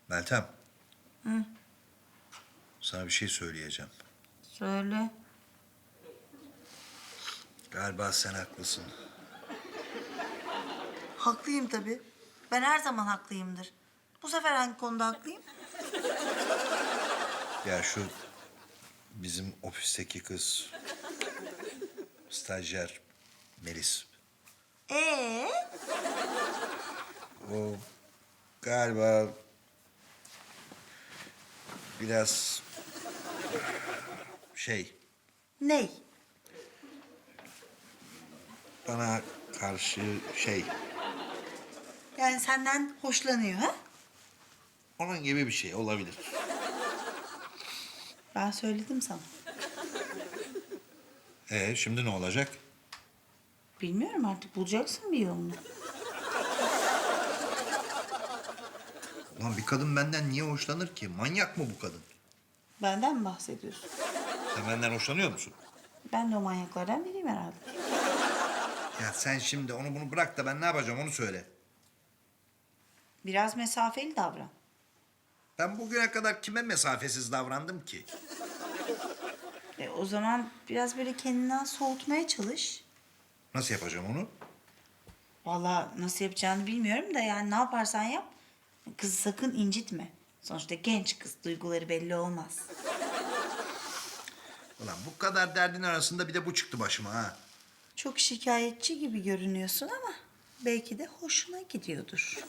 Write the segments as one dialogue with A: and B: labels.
A: Meltem. Sana bir şey söyleyeceğim.
B: Söyle.
A: Galiba sen haklısın.
B: Haklıyım tabii. Ben her zaman haklıyımdır. Bu sefer hangi konuda haklıyım?
A: Ya şu bizim ofisteki kız, stajyer Melis.
B: Ee?
A: O galiba biraz
B: Ney?
A: bana karşı
B: Yani senden hoşlanıyor ha?
A: onun gibi bir şey olabilir.
B: Ben söyledim sana.
A: Şimdi ne olacak?
B: Bilmiyorum artık bulacaksın bir yolunu.
A: Ulan bir kadın benden niye hoşlanır ki? Manyak mı bu kadın?
B: Benden mi bahsediyorsun?
A: Sen benden hoşlanıyor musun?
B: Ben de o manyaklardan biriyim herhalde.
A: Ya sen şimdi onu bunu bırak da ben ne yapacağım onu söyle.
B: Biraz mesafeli davran.
A: Ben bugüne kadar kime mesafesiz davrandım ki?
B: O zaman biraz böyle kendinden soğutmaya çalış.
A: Nasıl yapacağım onu?
B: Vallahi nasıl yapacağını bilmiyorum da yani ne yaparsan yap. Kızı sakın incitme. Sonuçta genç kız, duyguları belli olmaz.
A: Ulan bu kadar derdin arasında bir de bu çıktı başıma ha.
B: Çok şikayetçi gibi görünüyorsun ama belki de hoşuna gidiyordur.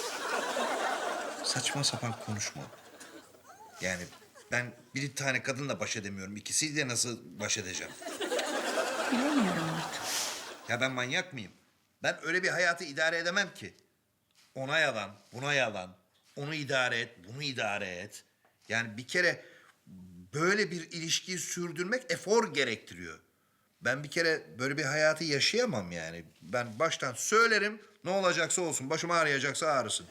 A: Saçma sapan konuşma. Yani ben bir tane kadınla baş edemiyorum. İkisiyle nasıl baş edeceğim?
B: Bilemiyorum artık.
A: Ya ben manyak mıyım? Ben öyle bir hayatı idare edemem ki. Ona yalan, buna yalan. Onu idare et, bunu idare et. Yani bir kere böyle bir ilişkiyi sürdürmek efor gerektiriyor. Ben bir kere böyle bir hayatı yaşayamam yani. Ben baştan söylerim, ne olacaksa olsun. Başım ağrıyacaksa ağrısın.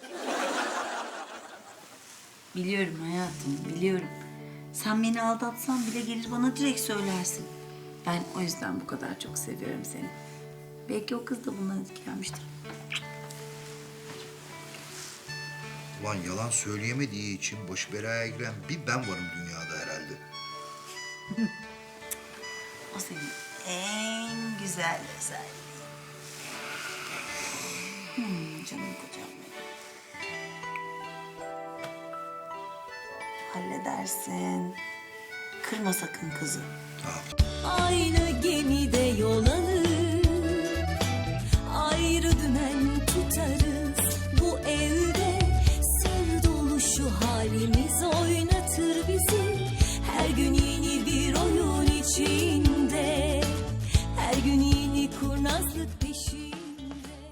B: Biliyorum hayatım, biliyorum. Sen beni aldatsan bile gelir bana direkt söylersin. Ben o yüzden bu kadar çok seviyorum seni. Belki o kız da bundan etkilenmiştir.
A: Ulan yalan söyleyemediği için başı belaya giren bir ben varım dünyada herhalde.
B: O senin en güzel özelliğin. Canım kocam benim. Halledersin. Kırma sakın kızı.
A: Tamam.
C: Aynı gemide yol alır, ayrı dümen tutarız. Bu evde sır dolu şu halimiz oynatır bizi. Her gün yeni bir oyun için